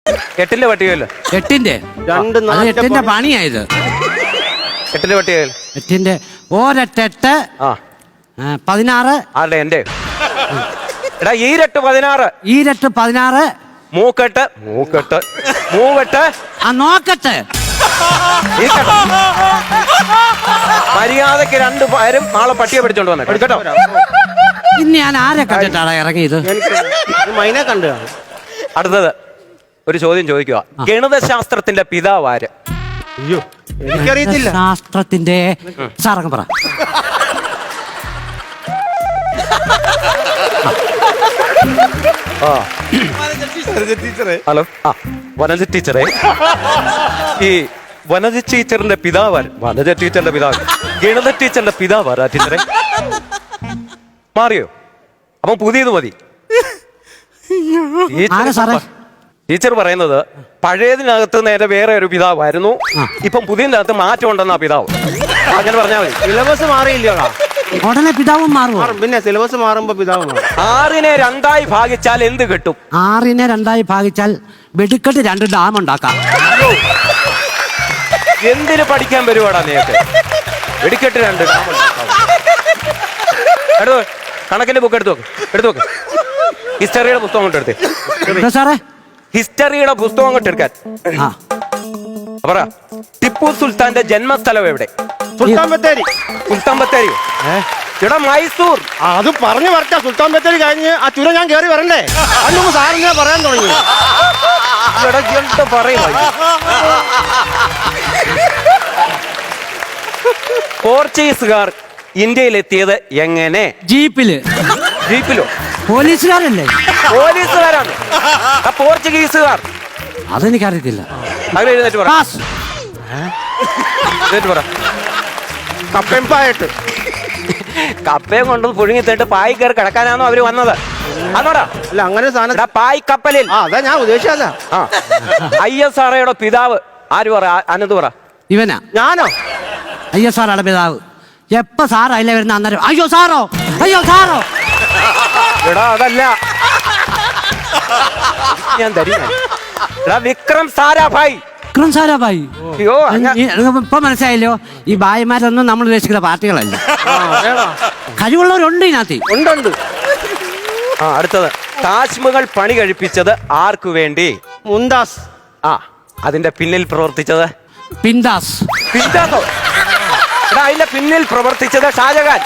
8ന്റെ പട്ടികയല്ലോ. 8ന്റെ 8ന്റെ പണിയായത്. 8ന്റെ പട്ടികയല്ലോ. 8ന്റെ ഒരെട്ടെട്ട് 16. ആരുടെ? എന്റെ. എടാ ഈരട്ട് 16. ഈരട്ട് 16. മൂവെട്ട്. നോക്കട്ടെ. മര്യാദക്ക് 2 പേരും നാളെ പട്ടിയെ പിടിച്ചോണ്ട് വന്നേ കേട്ടോ. ഇന്ന് ഞാൻ ആരെ കണ്ടിട്ടാണ് ഇറങ്ങിയത്? മൈനെ കണ്ടു. അടുത്തത് ഒരു ചോദ്യം ചോദിക്കുക. ഗണിതശാസ്ത്രത്തിന്റെ പിതാവ് ആര്? അയ്യോ എനിക്കറിയത്തില്ല. ശാസ്ത്രത്തിന്റെ സാറങ്ങ് പറ. ഹലോ. വനജ ടീച്ചറെ, ഈ വനജ ടീച്ചറിന്റെ പിതാവ്, വനജ ടീച്ചറിന്റെ പിതാവ്, ഗണിത ടീച്ചറിന്റെ പിതാവ് ആരാ ടീച്ചറെ? മാറിയോ? അപ്പൊ പുതിയത് മതി. ടീച്ചർ പറയുന്നത് പഴയതിനകത്ത് നേരെ വേറെ ഒരു പിതാവായിരുന്നു, ഇപ്പം പുതിയതിനകത്ത് മാറ്റം ഉണ്ടെന്നാ പിതാവ്. അങ്ങനെ പറഞ്ഞാൽ മതി. സിലബസ് മാറിയില്ലോടാ. ഉടനെ പിതാവും മാറും. പിന്നെ സിലബസ് മാറുമ്പോ പിതാവ് മാറും. 6നെ 2ആയി ഭാഗിച്ചാൽ എന്ത് കിട്ടും? 6നെ 2ആയി ഭാഗിച്ചാൽ വെടിക്കെട്ട് 2 ഡാം ഉണ്ടാക്കാം. എന്തിനു പഠിക്കാൻ വരുവാടാ നേരത്തെ? വെടിക്കെട്ട് 2 ഡാം ഉണ്ടാക്കാം. കണക്കിന്റെ ബുക്ക് എടുത്തു നോക്ക്. ഹിസ്റ്ററിയുടെ പുസ്തകം കൊണ്ട് എടുത്തേ. സാറേ ഹിസ്റ്ററിയുടെ പുസ്തകം കൊണ്ട് എടുക്കാൻ പറ. ടിപ്പു സുൽത്താന്റെ ജന്മസ്ഥലം എവിടെ? സുൽത്താൻ ബത്തേരി. ഇവിടെ മൈസൂർ. അത് പറഞ്ഞു വരട്ടെ. സുൽത്താൻ ബത്തേരി കഴിഞ്ഞ് ആ ചുരം ഞാൻ കയറി വരണ്ടേ? അന്ന് സാറിങ്ങനെ പറയാൻ തുടങ്ങി. പോർച്ചുഗീസുകാർ ഇന്ത്യയിലെത്തിയത് എങ്ങനെ? ജീപ്പിലോ? പോലീസുകാരല്ലേ? പോലീസുകാരാണ്. പോർച്ചുഗീസുകാർ. അതെനിക്കറിയത്തില്ല. എഴുന്നേറ്റ് പറ. കപ്പയും കൊണ്ട് പുഴുങ്ങി തേട്ട് പായി കയറി കിടക്കാനാണോ അവര് വന്നത്? അതോടാ. അല്ല അങ്ങനെ സാധനം പായ് കപ്പലിൽ. അതാ ഞാൻ ഉദ്ദേശിച്ചല്ല. ISROയുടെ പിതാവ് ആര്? പറ. അനന്ത് പറ. ഇവനാ? ഞാനോ? ISROയുടെ പിതാവ്. എപ്പ സാർ അതിലെ വരുന്ന അന്നേരം അയ്യോ സാറോ. എടാ അതല്ല, ഞാൻ തരും. വിക്രം സാരാഭായ്. ഇപ്പൊ മനസ്സിലായല്ലോ, ഈ ഭായിമാരൊന്നും നമ്മൾ ഉദ്ദേശിക്കുന്ന പാർട്ടികളല്ല. കഴിവുള്ളവരുണ്ട് ഇതിനകത്ത്. ഉണ്ട്. അടുത്തത് താജ്മഹൽ പണി കഴിപ്പിച്ചത് ആർക്കു വേണ്ടി? മുംതാസ്. അതിന്റെ പിന്നിൽ പ്രവർത്തിച്ചത്? പിന്താസോ? അതിന്റെ പിന്നിൽ പ്രവർത്തിച്ചത് ഷാജഹാൻ.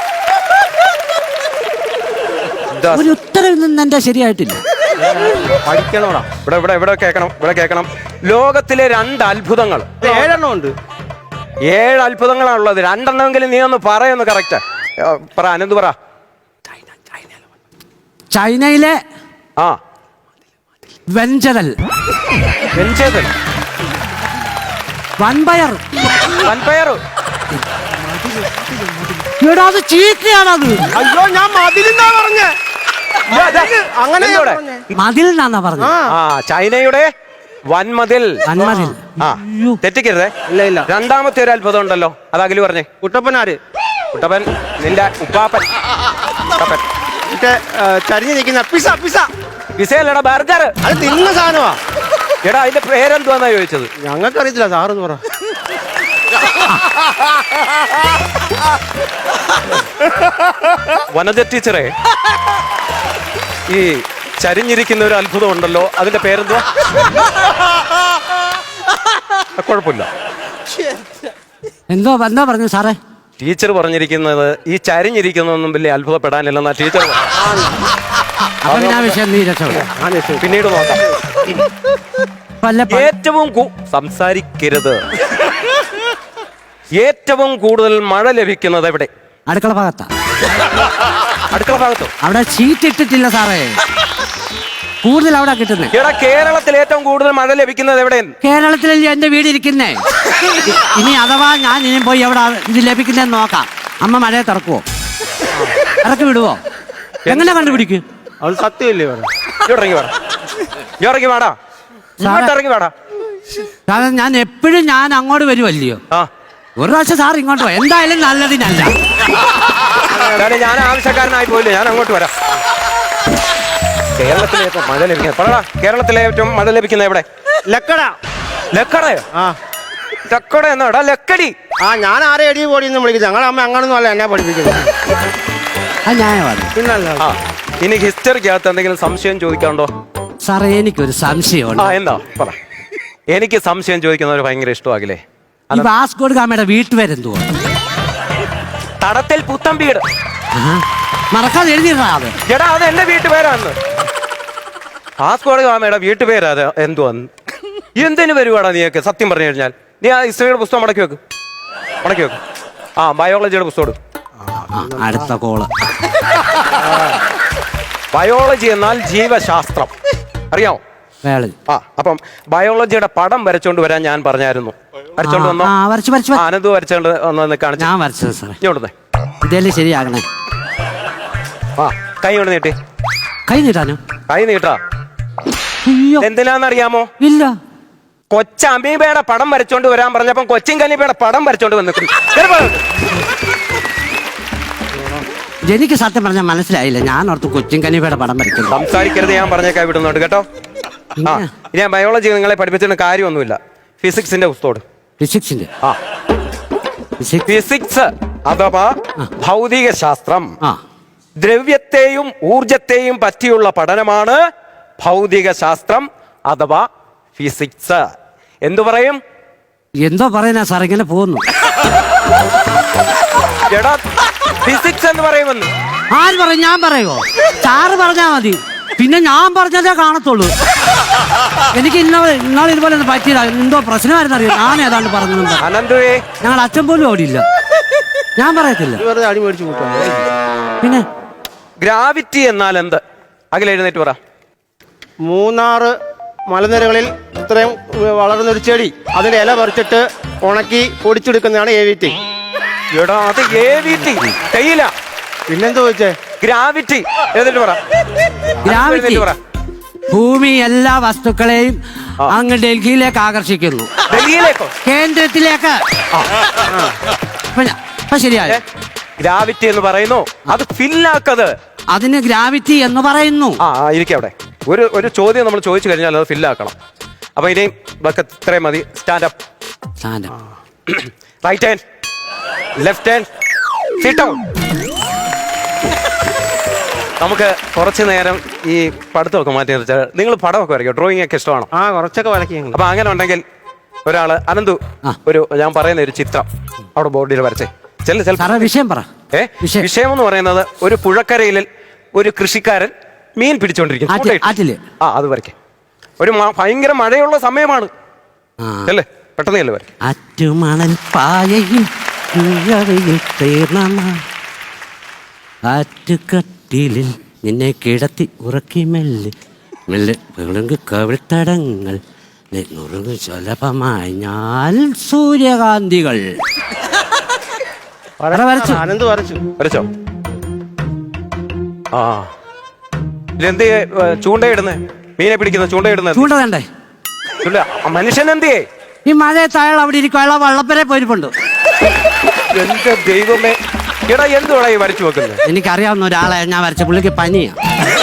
ഒരു ഉത്തരവിൽ നിന്ന് എന്റെ ശരിയായിട്ടില്ല. പഠിക്കണോടാ. ഇവിടെ കേൾക്കണം. ലോകത്തിലെ 2 അത്ഭുതങ്ങൾ. 7 എണ്ണം ഉണ്ട്. 7 അത്ഭുതങ്ങളാണുള്ളത്. 2 എണ്ണമെങ്കിലും നീ ഒന്ന് പറയുന്നു. കറക്റ്റ് പറ. അനന്ത് പറ. ചൈനയിലെ വെഞ്ചരൽ. വൻപയർ. അത് ചീത്തയാണത്. അയ്യോ ഞാൻ മതിലെന്നാ പറഞ്ഞേ. അങ്ങനെ മതിൽ എന്നാ പറഞ്ഞത്. ചൈനയുടെ വൻമതിൽ. തെറ്റിക്കരുതേ. ഇല്ല. രണ്ടാമത്തെ ഒരു അത്ഭുതം ഉണ്ടല്ലോ, അത് അഖില് പറഞ്ഞേ. കുട്ടപ്പൻ നിന്റെ ഉപ്പാപ്പൻ. ചരിഞ്ഞു നിൽക്കുന്ന പിസയല്ലടാ, ബർഗർ. അത് തിന്ന സാധനമാ. എടാ അതിന്റെ പേരെന്തുവാന്നാ ചോദിച്ചത്? ഞങ്ങൾക്കറിയത്തില്ല, സാറെന്ന് പറ. വനജ ടീച്ചറെ, ഈ ചരിഞ്ഞിരിക്കുന്ന ഒരു അത്ഭുതം ഉണ്ടല്ലോ, അതിന്റെ പേരെന്തുവാ? കുഴപ്പമില്ല. എന്താ പറഞ്ഞു സാറേ? ടീച്ചർ പറഞ്ഞിരിക്കുന്നത് ഈ ചരിഞ്ഞിരിക്കുന്നൊന്നും വലിയ അത്ഭുതപ്പെടാനില്ലെന്നാ ടീച്ചർ. പിന്നീട് നോക്കാം. ഏറ്റവും സംസാരിക്കരുത്. ഏറ്റവും കൂടുതൽ മഴ ലഭിക്കുന്നത് എവിടെ? അടുക്കള ഭാഗത്തോ? അവിടെ ഷീറ്റ് ഇട്ടിട്ടില്ല സാറേ, കൂടുതൽ അവിടെ കിട്ടുന്നത്. കേരളത്തിൽ ഏറ്റവും കൂടുതൽ മഴ ലഭിക്കുന്നത് എവിടെ? കേരളത്തിലല്ലേ എന്റെ വീട് ഇരിക്കുന്നേ. ഇനി അഥവാ ഞാൻ ഇനി പോയി എവിടെ ഇത് ലഭിക്കുന്നതെന്ന് നോക്കാം. അമ്മ മഴയെ തുറക്കുവോ? ഇറക്കി വിടുവോ? എങ്ങനെ കണ്ടുപിടിക്കും? അത് സത്യമല്ലേ? കാരണം ഞാൻ എപ്പോഴും അങ്ങോട്ട് വരുമല്ലയോ. ഒരു പ്രാവശ്യം സാർ ഇങ്ങോട്ട് പോ, എന്തായാലും നല്ലതിനല്ല. ഞാൻ ആവശ്യക്കാരനായി പോയില്ലേ, ഞാൻ അങ്ങോട്ട് വരാം. കേരളത്തിലെ ഏറ്റവും മഴ ലഭിക്കുന്നത് കേരളത്തിലെ ഏറ്റവും മഴ ലഭിക്കുന്ന എവിടെ? ലക്കട. ലക്കടയോ? ആ ലക്കട എന്നാടാ ലക്കടി. ആ ഞാൻ ആരെ എടി പോടിന്ന് വിളിക്കുന്നത്. ഞങ്ങളുടെ അമ്മ അങ്ങനൊന്നും അല്ല എന്നെ പഠിപ്പിക്കുന്നത്. അത് ന്യായമാണ്. പിന്നല്ല. ആ ഇനി ഹിസ്റ്ററിക്കകത്ത് എന്തെങ്കിലും സംശയം ചോദിക്കാണ്ടോ? സാറേ എനിക്കൊരു സംശയമുണ്ട്. ആ എന്താ പറ. എനിക്ക് സംശയം ചോദിക്കുന്നവർ ഭയങ്കര ഇഷ്ടമാകില്ലേ? ഈ വാസ്കോഡ് ഗാമയുടെ വീട്ടുപേരെന്തുവാ? തടത്തിൽ പുത്തൻ വീട്. മറക്കാതെ എഴുതിയിട്ടാ അത്. എടാ അത് എന്റെ വീട്ടുപേരാന്ന്. വാസ്കോഡ് ഗാമയുടെ വീട്ടുപേരാ അത്. എന്തുവാന്ന് എന്തിനു വരുവാടാ നീയൊക്കെ? സത്യം പറഞ്ഞു കഴിഞ്ഞാൽ നീ ആ ഹിസ്റ്ററിയുടെ പുസ്തകം മടക്കി വെക്ക്. ആ ബയോളജിയുടെ പുസ്തകം. അടുത്ത കോള്. ബയോളജി എന്നാൽ ജീവശാസ്ത്രം, അറിയാമോ? ആ അപ്പം ബയോളജിയുടെ പടം വരച്ചോണ്ട് വരാൻ ഞാൻ പറഞ്ഞായിരുന്നു. വരച്ചോണ്ട് വന്നോ? അനന്ത് വരച്ചോണ്ട് വന്ന് കാണിച്ചു. ഞാൻ വരച്ചത് സാറേ. ഇങ്ങോട്ടേ ഇതല്ലേ ശരിയാകണേ. ആ കൈ കൊണ്ട് നീട്ടി. കൈ നീട്ടാനോ? കൈ നീട്ടാ. അയ്യോ എന്തിനാന്നറിയാമോ? ഇല്ല. കൊച്ചമീബയുടെ പടം വരച്ചോണ്ട് വരാൻ പറഞ്ഞപ്പം കൊച്ചിൻ കലീബയുടെ പടം വരച്ചോണ്ട് വന്നിട്ടുണ്ട്. എനിക്ക് സത്യം പറഞ്ഞാൽ മനസ്സിലായില്ല. ഞാൻ ഓർത്ത് കൊച്ചിൻ കനീഫയുടെ പടം വരയ്ക്കുന്നു. സംസാരിക്കരുത്, ഞാൻ പറഞ്ഞേക്കാ വിടുന്നുണ്ട് കേട്ടോ. ആ ഇനി ഞാൻ ബയോളജി നിങ്ങളെ പഠിപ്പിച്ചിട്ട് കാര്യമൊന്നുമില്ല. ഫിസിക്സിന്റെ പുസ്തകം. ഫിസിക്സിന്റെ? ആ ഫിസിക്സ് അഥവാ ഭൗതിക ശാസ്ത്രം. ദ്രവ്യത്തെയും ഊർജത്തെയും പറ്റിയുള്ള പഠനമാണ് ഭൗതിക ശാസ്ത്രം അഥവാ ഫിസിക്സ്. എന്തു പറയും? എന്തോ പറയുന്ന സാർ, ഇങ്ങനെ പോകുന്നു. എടാ ഫിസിക്സ് എന്ന് പറയുമെന്ന് ആര് പറയും? ഞാൻ പറയുമോ? സാറ് പറഞ്ഞാ മതി. പിന്നെ ഞാൻ പറഞ്ഞതേ കാണത്തുള്ളൂ. എനിക്ക് ഇന്നാൾ ഇതുപോലെ ഒന്നും പറ്റിയില്ല. എന്തോ പ്രശ്നമായിരുന്നു അറിയാം. ഞാൻ ഏതാണ്ട് പറഞ്ഞു. അനന്തുവേ ഞങ്ങൾ അച്ഛൻ പോലും ഓടിയില്ല. ഞാൻ പറയത്തില്ല. അടി മേടിച്ചു കൂട്ടാ. പിന്നെ ഗ്രാവിറ്റി എന്നാൽ എന്ത്? അഖിൽ എഴുന്നേറ്റ് പറ. മൂന്നാറ് മലനിരകളിൽ ഇത്രയും വളർന്നൊരു ചെടി, അതിന്റെ ഇല പറിച്ചിട്ട് ഉണക്കി പൊടിച്ചെടുക്കുന്നതാണ് AVT. എടാ അത് AVT തേയില. പിന്നെന്താ ചോദിച്ചേ? ഗ്രാവിറ്റി എഴുന്നേറ്റ് പറ. ഗ്രാവിറ്റി ഭൂമി എല്ലാ വസ്തുക്കളെയും അങ്ങ് ഡൽഹിയിലേക്ക് ആകർഷിക്കുന്നു. ഡൽഹിയിലേക്കോ? കേന്ദ്രത്തിലേക്ക്. ശരിയായ ഗ്രാവിറ്റി എന്ന് പറയുന്നു. അത് ഫില്ലാക്കത്. അതിന് ഗ്രാവിറ്റി എന്ന് പറയുന്നു. ആ ഇരിക്കും അവിടെ. ഒരു ചോദ്യം നമ്മൾ ചോദിച്ചു കഴിഞ്ഞാൽ അത് ഫില്ലാക്കണം. അപ്പൊ ഇനിയും ഇത്രയും മതി. Stand up. Right hand, left hand, sit down. നമുക്ക് കുറച്ചു നേരം ഈ പഠിത്തമൊക്കെ മാറ്റി നിർത്താൽ. നിങ്ങൾ പടമൊക്കെ വരയ്ക്കും, ഡ്രോയിങ് ഒക്കെ ഇഷ്ടമാണോ? ആ കുറച്ചൊക്കെ വരയ്ക്കും. അപ്പൊ അങ്ങനെ ഉണ്ടെങ്കിൽ ഒരാള് അനന്തു ഞാൻ പറയുന്ന ഒരു ചിത്രം അവിടെ ബോർഡിൽ വരച്ചേ. വിഷയം പറ. വിഷയം എന്ന് പറയുന്നത് ഒരു പുഴക്കരയിൽ ഒരു കൃഷിക്കാരൻ മീൻ പിടിച്ചോണ്ടിരിക്കുന്നു. ആ അത് വരയ്ക്കേ. ഒരു ഭയങ്കര മഴയുള്ള സമയമാണ് അല്ലേ? പെട്ടെന്ന് അല്ലേ വരയ്ക്കും. ആറ്റുമണൽ പായയിൽ ആറ്റുകട്ടിലിൽ നിന്നെ കിടത്തി ഉറക്കി മെല്ലെ മെല്ലെ കവിൾത്തടങ്ങൾ സുലഭമായി ഞാൻ സൂര്യകാന്തികൾ. അനന്ത് വരച്ചോ? ആ എന്ത് ചൂണ്ടയിടുന്നേ? മീനെ പിടിക്കുന്ന ചൂണ്ടയിടുന്നത്? ചൂണ്ട വേണ്ടേ? മനുഷ്യൻ എന്തിയേ? ഈ മഴയത്ത് അയാൾ അവിടെ ഇരിക്കും. അയാൾ വള്ളപ്പരെ പോയിരിപ്പുണ്ട്. എന്റെ ദൈവമേ, എടാ എന്തുവാടാ ഈ വരച്ചു വെക്കുന്നത്? എനിക്കറിയാവുന്ന ഒരാളെ ഞാൻ വരച്ച. പുള്ളിക്ക് പനിയാ.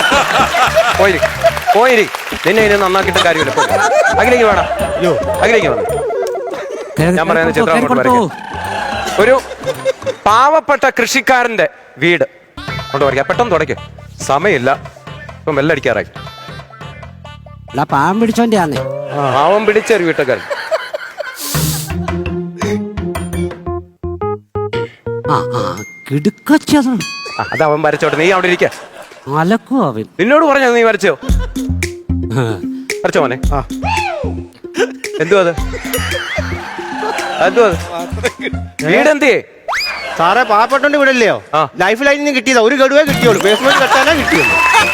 പോയിരി നിന്നെ ഇനി നന്നാക്കിയിട്ട് കാര്യമില്ല. അഖിലേക്ക് വേണം. അഖിലേക്ക് വേണം. ഞാൻ പറയുന്ന ചിത്രം ഒരു പാവപ്പെട്ട കൃഷിക്കാരന്റെ വീട് കൊണ്ട് വരയ്ക്കാം. പെട്ടെന്ന് തുടയ്ക്കും, സമയമില്ല. ഇപ്പം വെല്ലടിക്കാറായി. പാവം പിടിച്ചോന്റെ ആന്നേ. പാവം പിടിച്ചൊരു വീട്ടുകാരൻ. അത് അവൻ വരച്ചോട്ടെ, നീ അവിടെ ഇരിക്ക. നിന്നോട് പറഞ്ഞോ നീ വരച്ചോ? വരച്ചോ മോനെ. എന്തുവാ അത്? വീടെന്തിയേ? സാറേ പാവപ്പെട്ടോണ്ട് വീടല്ലയോ? ലൈഫ് ലൈനിൽ നിന്ന് കിട്ടിയതാ. ഒരു ഗഡുവേ കിട്ടിയുള്ളൂ. ബേസ്മെന്റ് കെട്ടാനേ കിട്ടിയുള്ളൂ.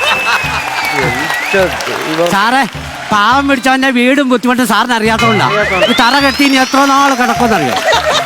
സാറേ പാവം പിടിച്ചവന്റെ വീടും ബുദ്ധിമുട്ടും സാറിന് അറിയാത്തോണ്ടാ. തറ കെട്ടി ഇനി എത്ര നാള് കിടക്കുമെന്നറിയോ?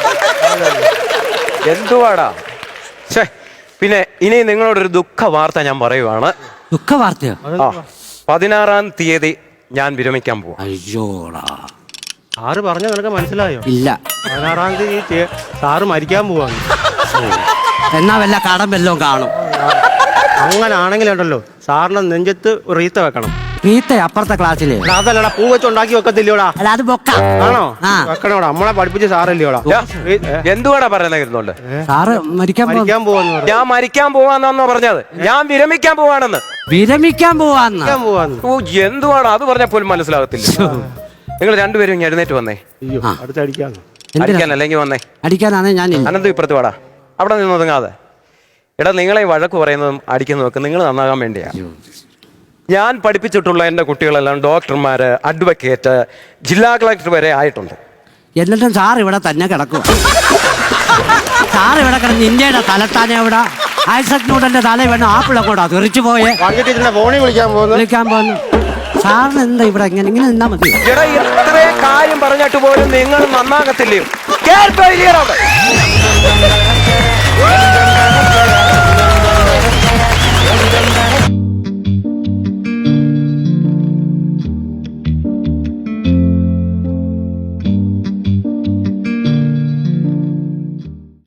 എന്തുവാടാ? പിന്നെ ഇനി നിങ്ങളോടൊരു ദുഃഖ വാർത്ത ഞാൻ പറയുവാണ്. ദുഃഖ വാർത്തയോ? 16-ാം തീയതി ഞാൻ വിരമിക്കാൻ പോവാ. അയ്യോടാ. സാറ് പറഞ്ഞ നിനക്ക് മനസ്സിലായോ? ഇല്ല. 16-ാം തീയതി സാറ് മരിക്കാൻ പോവാണ്. എന്നാ വല്ല കടം വല്ലതും കാണും. അങ്ങനെ ആണെങ്കിലുണ്ടല്ലോ സാറിന് നെഞ്ചത്ത് റീത്ത വെക്കണം. പീത്ത അപ്പുറത്തെ ക്ലാസ്സില് അതല്ലടാ പൂ വെച്ച് ഉണ്ടാക്കി വെക്കത്തില്ലോടാ. അല്ല അത് ബൊക്ക. ആണോ? ആ. വെക്കണോടാ, നമ്മളെ പഠിപ്പിച്ച സാറല്ലോടാ. എന്തുവാടാ പറയുന്നോണ്ട്? സാറ് മരിക്കാൻ മരിക്കാൻ പോവാന്ന് പറഞ്ഞു. ഞാൻ മരിക്കാൻ പോവാന്നാന്നോ പറഞ്ഞത്? ഞാൻ വിരമിക്കാൻ പോവാണെന്ന്. വിരമിക്കാൻ പോവാന്ന്. മരിക്കാൻ പോവാന്ന്. ഓ എന്തുവാണ് അത് പറഞ്ഞാൽ പോലും മനസ്സിലാകത്തില്ല. നിങ്ങൾ രണ്ടുപേരും ഇങ്ങ് എഴുന്നേറ്റ് വന്നേ. അയ്യോ, അടുത്തടിക്കാന്ന്. അടിക്കാൻ അല്ലെങ്കിൽ വന്നേ. അടിക്കാനാണ് ഞാൻ. അനന്ത് ഇപ്പുറത്ത് വാടാ. അവിടെ നിന്ന് ഒതുങ്ങാതെ. എടാ നിങ്ങളെ വഴക്ക് പറയുന്നതും അടിക്കുന്നതും ഒക്കെ നിങ്ങൾ നന്നാകാൻ വേണ്ടിയാ. ഞാൻ പഠിപ്പിച്ചിട്ടുള്ള എൻ്റെ കുട്ടികളെല്ലാം ഡോക്ടർമാര്, അഡ്വക്കേറ്റ്, ജില്ലാ കളക്ടർ വരെ ആയിട്ടുണ്ട്. എന്നിട്ടും സാർ ഇവിടെ തന്നെ കിടക്കുക. സാർ ഇവിടെ കിടന്ന് ഇന്ത്യയുടെ തലത്താനെ ഇവിടെ ഐസക് ന്യൂട്ടന്റെ തല വേണം ആപ്പിളൊക്കെ തെറിച്ചു പോയെ. ഫോണിൽ വിളിക്കാൻ പോകുന്നു. സാറിന് എന്താ ഇവിടെ ഇങ്ങനെ നിന്നാ മതി. എടാ ഇത്രയും കാര്യം പറഞ്ഞിട്ട് പോലും നിങ്ങൾ നന്നാകത്തില്ലയോ?